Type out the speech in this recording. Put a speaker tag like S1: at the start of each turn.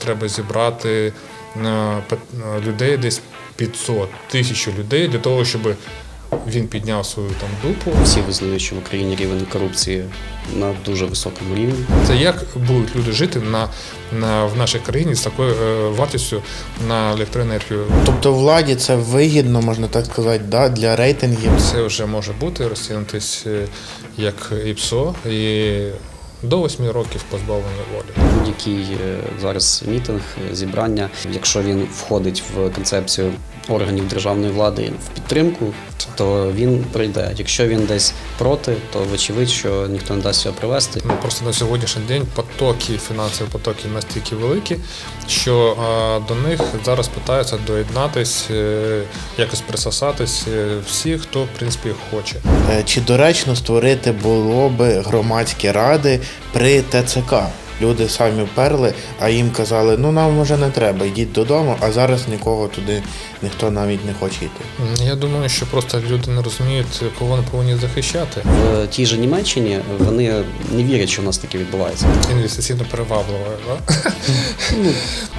S1: треба зібрати людей десь 500, 1000 людей для того, щоб він підняв свою там дупу.
S2: Всі визнають, що в Україні рівень корупції на дуже високому рівні.
S1: Це як будуть люди жити в нашій країні з такою вартістю на електроенергію?
S3: Тобто владі це вигідно, можна так сказати, да, для рейтингів.
S1: Це вже може бути розцінитись як ІПСО і до 8 років позбавлення волі.
S2: Будь-який зараз мітинг, зібрання, якщо він входить в концепцію органів державної влади в підтримку, то він пройде. Якщо він десь проти, то вочевидь, що ніхто не дасть його провести.
S1: Просто на сьогоднішній день фінансові потоки настільки великі, що до них зараз питаються доєднатись, якось присосатись всі, хто в принципі хоче.
S3: Чи доречно створити було би громадські ради при ТЦК? Люди самі перли, а їм казали, ну нам вже не треба, йдіть додому, а зараз нікого туди ніхто навіть не хоче йти.
S1: Я думаю, що просто люди не розуміють, кого вони повинні захищати.
S2: В тій же Німеччині вони не вірять, що в нас таке відбувається.
S1: Інвестиційно привабливо, да?